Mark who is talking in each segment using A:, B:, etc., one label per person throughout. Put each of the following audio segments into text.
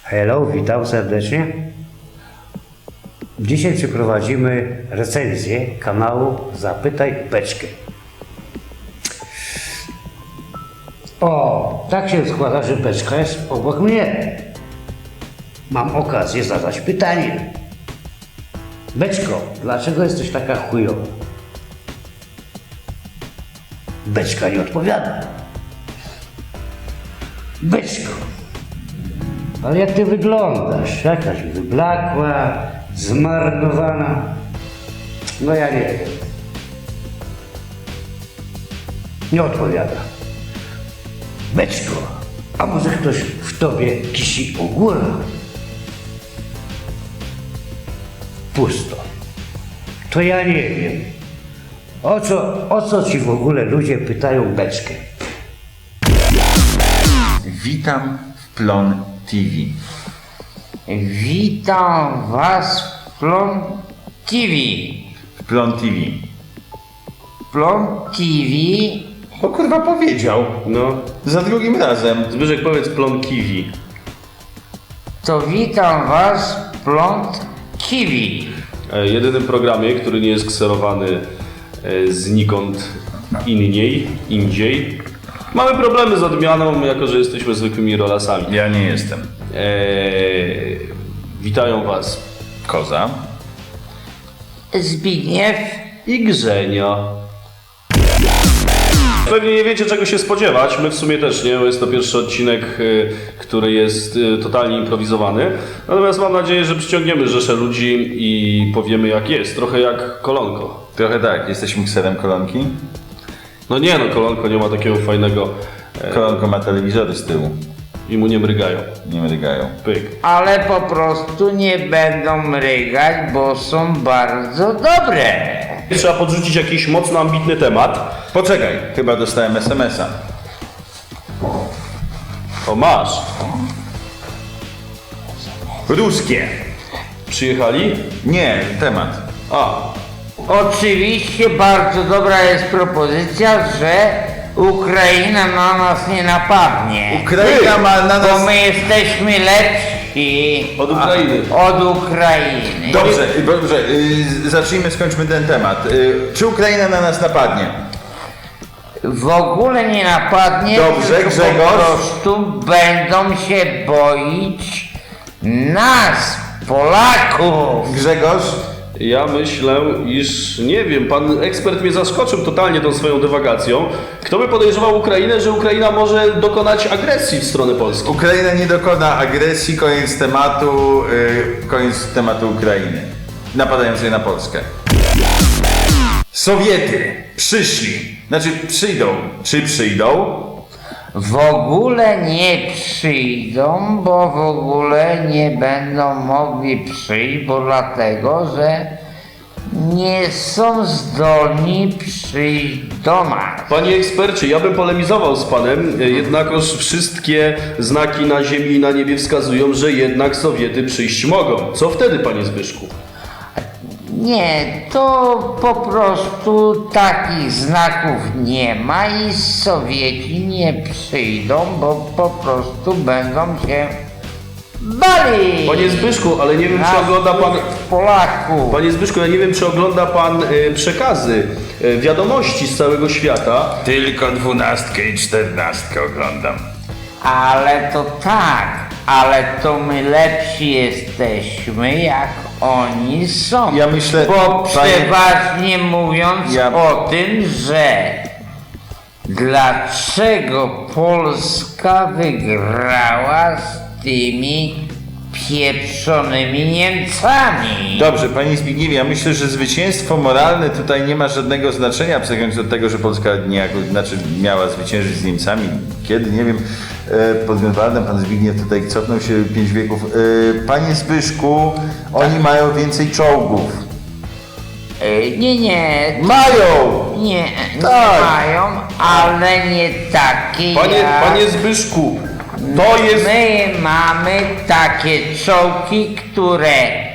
A: Hello, witam serdecznie. Dzisiaj przeprowadzimy recenzję kanału Zapytaj Beczkę. O, tak się składa, że Beczka jest obok mnie. Mam okazję zadać pytanie. Beczko, dlaczego jesteś taka chujowa? Beczka nie odpowiada. Beczko, ale jak ty wyglądasz? Jakaś wyblakła, zmarnowana. No ja nie wiem. Nie odpowiada. Beczko, a może ktoś w tobie kisi u górę? Pusto. To ja nie wiem. O co ci w ogóle ludzie pytają Beczkę?
B: Witam w Plon TV.
C: Witam Was w Plon TV.
B: W Plon TV.
C: Plon TV
B: O kurwa powiedział.
D: No,
B: Za drugim razem.
D: Zbyszek, powiedz plon kiwi.
C: to witam Was w Plon TV.
D: Jedynym programie, który nie jest kserowany znikąd indziej. Mamy problemy z odmianą, jako że jesteśmy zwykłymi rolasami.
B: Ja nie jestem.
D: Witają Was
B: Koza.
C: Zbigniew.
D: i Grzenia. Pewnie nie wiecie, czego się spodziewać. My w sumie też nie, bo jest to pierwszy odcinek, który jest totalnie improwizowany. Natomiast mam nadzieję, że przyciągniemy rzeszę ludzi i powiemy, jak jest. Trochę jak Kolonko.
B: Trochę tak, jesteśmy kserem Kolonki.
D: No nie, no Kolonko nie ma takiego fajnego
B: Kolonko ma telewizory z tyłu.
D: i mu nie mrygają.
B: Nie mrygają.
D: Pyk.
C: Ale po prostu nie będą mrygać, bo są bardzo dobre.
D: Trzeba podrzucić jakiś mocno ambitny temat.
B: Poczekaj, chyba dostałem SMS-a.
D: O, masz.
B: Ruskie.
D: Przyjechali?
B: Nie, temat.
D: A,
C: Oczywiście bardzo dobra jest propozycja, że Ukraina na nas nie napadnie.
B: Ukraina ma na
C: Bo
B: nas...
C: my jesteśmy lepsi
D: od Ukrainy.
C: od Ukrainy.
B: Dobrze, zacznijmy, skończmy ten temat. Czy Ukraina na nas napadnie?
C: W ogóle nie napadnie,
B: Dobrze,
C: tylko
B: Grzegorz.
C: po prostu będą się boić nas, Polaków.
B: Grzegorz?
D: Ja myślę, iż nie wiem, pan ekspert mnie zaskoczył totalnie tą swoją dywagacją. Kto by podejrzewał Ukrainę, że Ukraina może dokonać agresji w stronę Polski?
B: Ukraina nie dokona agresji, koniec tematu Ukrainy. Napadającej na Polskę. Sowiety przyszli, znaczy przyjdą. Czy przyjdą?
C: W ogóle nie przyjdą, bo w ogóle nie będą mogli przyjść, bo dlatego, że nie są zdolni przyjść do nas.
D: Panie ekspercie, ja bym polemizował z panem, jednakoż wszystkie znaki na ziemi i na niebie wskazują, że jednak Sowiety przyjść mogą. Co wtedy, panie Zbyszku?
C: Nie, to po prostu takich znaków nie ma i Sowieci nie przyjdą, bo po prostu będą się bali.
D: Panie Zbyszku, ale nie wiem, czy ogląda pan...
C: Polaków.
D: Panie Zbyszku, ja nie wiem, czy ogląda pan przekazy, wiadomości z całego świata.
B: Tylko 12 i 14 oglądam.
C: Ale to tak, ale to my lepsi jesteśmy, jak oni są.
B: Ja myślę,
C: Bo
B: panie-
C: przeważnie mówiąc o tym, że dlaczego Polska wygrała z tymi pieprzonymi Niemcami.
B: Dobrze, panie Zbigniewie, ja myślę, że zwycięstwo moralne tutaj nie ma żadnego znaczenia, abstrahując od tego, że Polska niejako, miała zwyciężyć z Niemcami. Kiedy? Nie wiem. Pod Grunwaldem pan Zbigniew tutaj cofnął się 5 wieków. Panie Zbyszku, oni mają więcej czołgów.
C: Nie,
B: Mają!
C: nie
B: Tak.
C: mają, ale nie takie jak...
D: Panie Zbyszku, to jest...
C: My mamy takie czołgi, które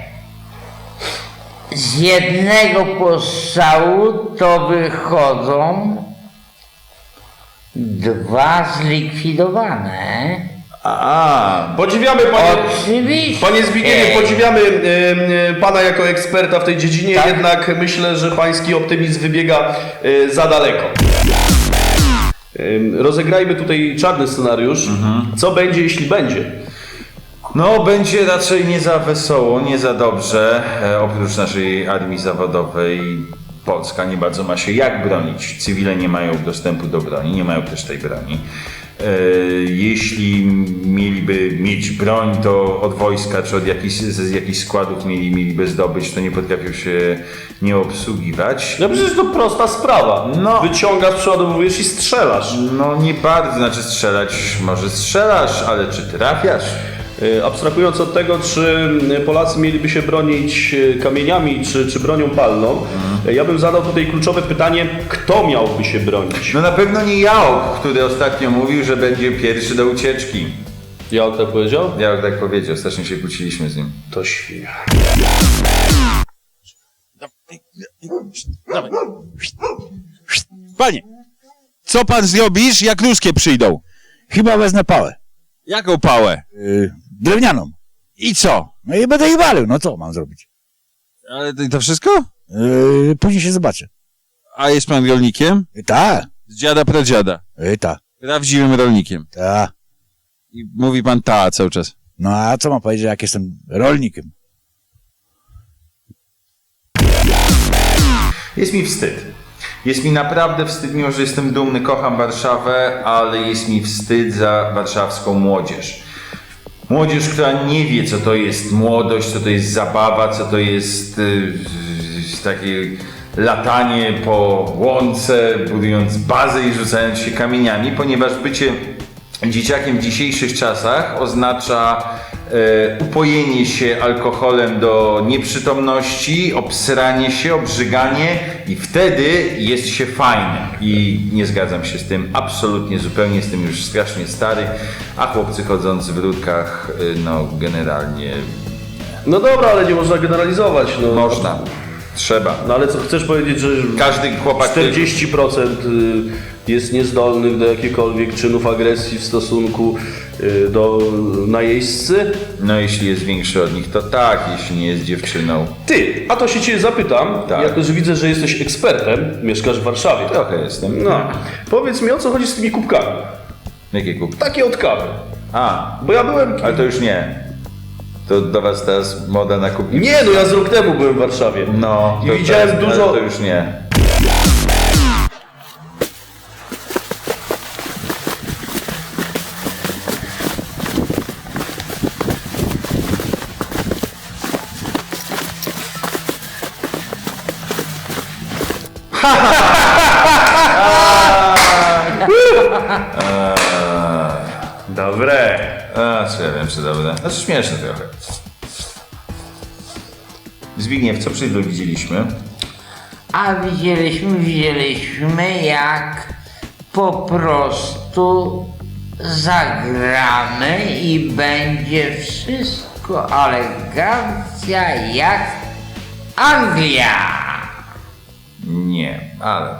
C: z jednego postrzału to wychodzą 2 zlikwidowane.
D: Podziwiamy
C: Oczywiście.
D: Panie Zbigniewie, podziwiamy pana jako eksperta w tej dziedzinie,
C: Tak.
D: jednak myślę, że pański optymizm wybiega za daleko. Rozegrajmy tutaj czarny scenariusz. Co będzie, jeśli będzie?
B: No, będzie raczej nie za wesoło, nie za dobrze. Oprócz naszej armii zawodowej Polska nie bardzo ma się jak bronić. Cywile nie mają dostępu do broni, nie mają też tej broni. Jeśli mieliby mieć broń, to od wojska czy od z jakichś składów mieliby zdobyć, to nie potrafią się nie obsługiwać.
D: No przecież to prosta sprawa.
B: No.
D: Wyciągasz, przeładowujesz i strzelasz.
B: No nie bardzo, znaczy strzelać, może strzelasz, ale czy trafiasz?
D: Abstrahując od tego, czy Polacy mieliby się bronić kamieniami, czy bronią palną, ja bym zadał tutaj kluczowe pytanie, kto miałby się bronić?
B: No na pewno nie Jałk, który ostatnio mówił, że będzie pierwszy do ucieczki.
D: Ja tak powiedział?
B: Jałk tak powiedział, strasznie się kłóciliśmy z nim.
D: To świnia.
E: Panie, co pan zrobisz, jak ruskie przyjdą?
F: Chyba wezmę pałę.
E: Jaką pałę?
F: Drewnianą.
E: I co?
F: No i będę ich walił. No co mam zrobić?
E: Ale to wszystko?
F: Później się zobaczę.
E: A jest pan rolnikiem?
F: Ta,
E: Z dziada pradziada.
F: ta,
E: Prawdziwym rolnikiem.
F: ta.
E: I mówi pan ta cały czas.
F: No a co mam powiedzieć, jak jestem rolnikiem?
B: Jest mi wstyd. Jest mi naprawdę wstyd, mimo że jestem dumny, kocham Warszawę, ale jest mi wstyd za warszawską młodzież. Młodzież, która nie wie, co to jest młodość, co to jest zabawa, co to jest takie latanie po łące, budując bazę i rzucając się kamieniami, ponieważ bycie dzieciakiem w dzisiejszych czasach oznacza upojenie się alkoholem do nieprzytomności, obsranie się, obrzyganie i wtedy jest się fajnym. I nie zgadzam się z tym absolutnie, zupełnie jestem już strasznie stary, a chłopcy chodzący w rurkach, no generalnie
D: No dobra, ale nie można generalizować. No.
B: można, trzeba.
D: No ale co, chcesz powiedzieć, że
B: Każdy chłopak...
D: 40% jest niezdolnych do jakichkolwiek czynów agresji w stosunku do najeźdźcy?
B: No jeśli jest większy od nich, to tak, jeśli nie jest dziewczyną.
D: Ty, a to się cię zapytam,
B: Tak.
D: jako że widzę, że jesteś ekspertem, mieszkasz w Warszawie.
B: Trochę jestem.
D: No, powiedz mi, o co chodzi z tymi kubkami?
B: Jakie kubki?
D: Takie od kawy.
B: A,
D: Bo ja byłem...
B: ale to już nie. To do was teraz moda na kubki.
D: Nie, no ja z rok temu byłem w Warszawie.
B: No,
D: I
B: to
D: widziałem
B: teraz,
D: dużo...
B: ale to już nie.
D: Dobre.
B: A, co ja wiem, czy dobre. Znaczy śmieszne trochę. Zbigniew, co przed chwilą widzieliśmy?
C: A widzieliśmy jak po prostu zagramy i będzie wszystko elegancja jak Anglia.
B: Nie, ale...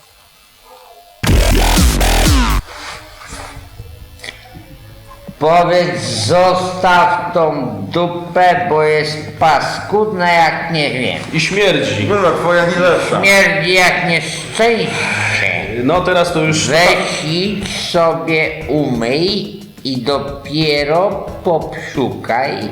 C: Powiedz, zostaw tą dupę, bo jest paskudna jak nie wiem.
D: I śmierdzi.
B: Kurwa, twoja nie lepsza.
C: Śmierdzi jak nieszczęście.
D: No teraz to już...
C: Weź idź sobie umyj i dopiero popsiukaj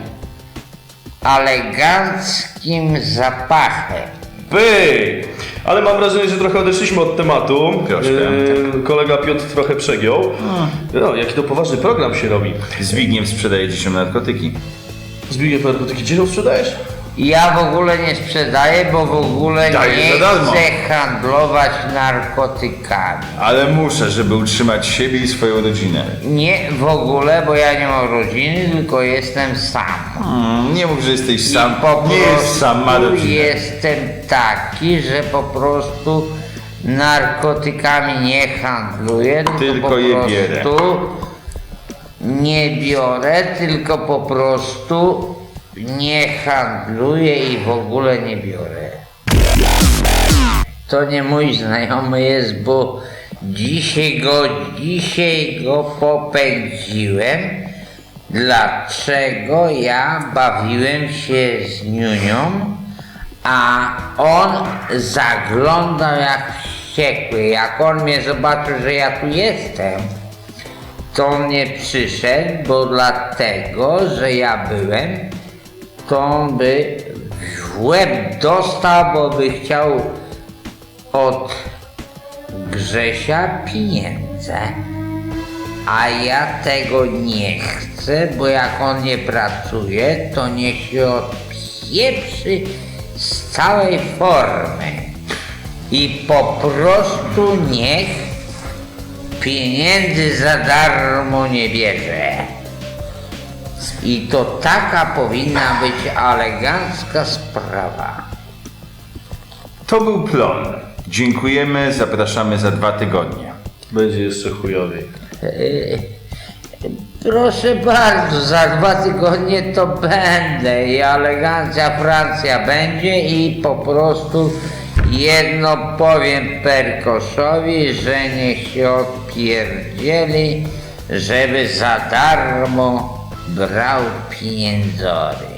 C: eleganckim zapachem.
D: Pyk! Ale mam wrażenie, że trochę odeszliśmy od tematu.
B: Troszkę.
D: Kolega Piotr trochę przegiął. No, jaki to poważny program się robi.
B: Zbigniew sprzedaje dzieciom narkotyki.
D: Zbigniew, narkotyki gdzie ją sprzedajesz?
C: Ja w ogóle nie sprzedaję, bo w ogóle
B: Dajesz
C: nie
B: za darmo.
C: chcę handlować narkotykami.
B: Ale muszę, żeby utrzymać siebie i swoją rodzinę.
C: Nie w ogóle, bo ja nie mam rodziny, tylko jestem sam.
B: Nie mów, że jesteś
C: I
B: sam.
C: po
B: Nie jest sam, ma
C: prostu
B: rodzinę.
C: jestem taki, że po prostu narkotykami nie handluję,
B: Tylko
C: po
B: je
C: prostu
B: bierę.
C: nie biorę, tylko po prostu nie handluję i w ogóle nie biorę. To nie mój znajomy jest, bo dzisiaj go popędziłem dlaczego ja bawiłem się z niunią, a on zaglądał jak wściekły. Jak on mnie zobaczył, że ja tu jestem, to on nie przyszedł, bo dlatego, że ja byłem, to on by w łeb dostał, bo by chciał od Grzesia pieniądze. A ja tego nie chcę, bo jak on nie pracuje, to niech się odpieprzy z całej formy. I po prostu niech pieniędzy za darmo nie bierze. I to taka powinna być elegancka sprawa.
B: To był plon. Dziękujemy, zapraszamy za 2 tygodnie.
D: Będzie jeszcze chujowiej.
C: Proszę bardzo, za 2 tygodnie to będę i elegancja Francja będzie i po prostu jedno powiem Perkoszowi, że niech się odpierdzieli, żeby za darmo brał pieniędzory.